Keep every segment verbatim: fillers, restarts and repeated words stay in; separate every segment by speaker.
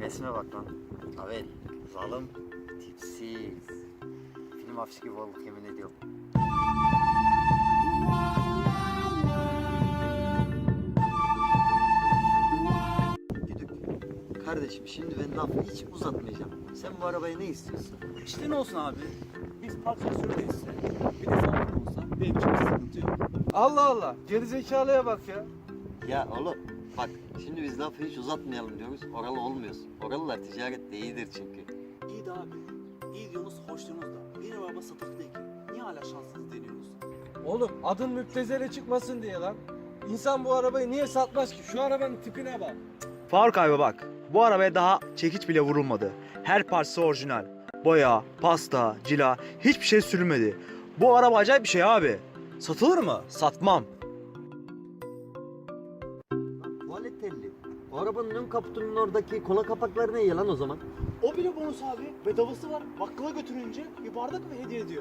Speaker 1: Resme bak lan. Haber. Zalim. Tipsiz. Film afişi gibi olduk yemin ediyorum. Güdük. Kardeşim şimdi ben lafı hiç uzatmayacağım. Sen bu arabaya ne istiyorsun?
Speaker 2: İşte ne olsun abi? Biz parçasını değilse, bir de sağlık olsa benim için bir sıkıntı yok.
Speaker 3: Allah Allah. Gerizekalıya bak ya.
Speaker 1: Ya oğlum bak şimdi biz lafı hiç uzatmayalım diyoruz. Oralı olmuyoruz. Oralılar ticarette iyidir çünkü.
Speaker 2: İyi de abi, iyi diyorsunuz, hoş diyorsunuz da benim araba satık değil ki. Niye hala şanssız deniyorsunuz?
Speaker 3: Oğlum adın müptezele çıkmasın diye lan. İnsan bu arabayı niye satmaz ki? Şu arabanın tipine bak.
Speaker 4: Faruk abi bak, bu arabaya daha çekiç bile vurulmadı. Her parçası orijinal. Boya, pasta, cila, hiçbir şey sürülmedi. Bu araba acayip bir şey abi. Satılır mı? Satmam.
Speaker 1: Lan tuvalet telli. O arabanın ön kaputunun oradaki kola kapakları ne yalan o zaman?
Speaker 2: O bile bonus abi. Bedavası var. Bakkala götürünce bir bardak mı hediye ediyor?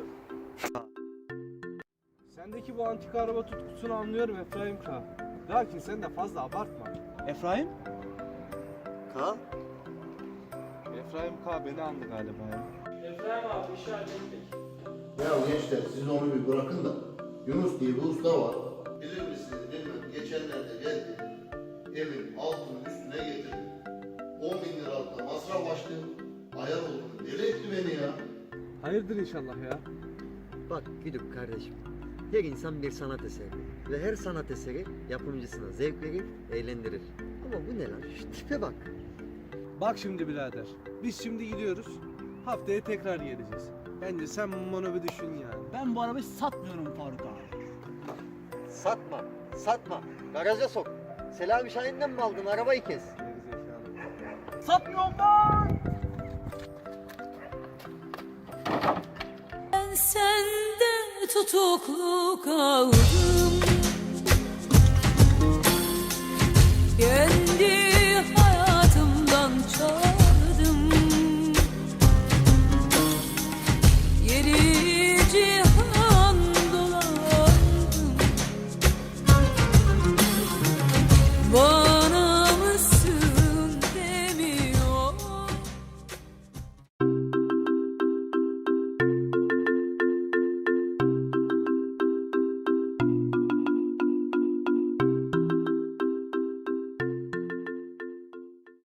Speaker 3: Sendeki bu antika araba tutkusunu anlıyorum Efraim K. Lakin sen de fazla abartma.
Speaker 2: Efraim?
Speaker 1: Ka?
Speaker 3: Efraim K beni andı galiba ya. Efraim abi işi hallettik.
Speaker 5: Ya gençler siz onu bir bırakın da Yunus diye bir usta var. Bilir misiniz bilmem geçenlerde geldi. Evin altını üstüne getirdi. on bin liralık da masraf açtı. Ayar oldu. Deli etti beni ya.
Speaker 3: Hayırdır inşallah ya.
Speaker 1: Bak Güdük kardeşim. Her insan bir sanat eseri. Ve her sanat eseri yapımcısına zevk verir, eğlendirir. Ama bu ne lan? Şu tipe bak.
Speaker 3: Bak şimdi birader. Biz şimdi gidiyoruz. Haftaya tekrar geleceğiz. Bence sen bunu bir düşün yani.
Speaker 2: Ben bu arabayı satmıyorum Faruk abi.
Speaker 1: Satma, satma. Garaja sok. Selami Şahin'den mi aldın? Arabayı kes.
Speaker 3: Gerizekalı.
Speaker 2: Satmıyorum ben!
Speaker 6: Ben sende tutuklu kaldım.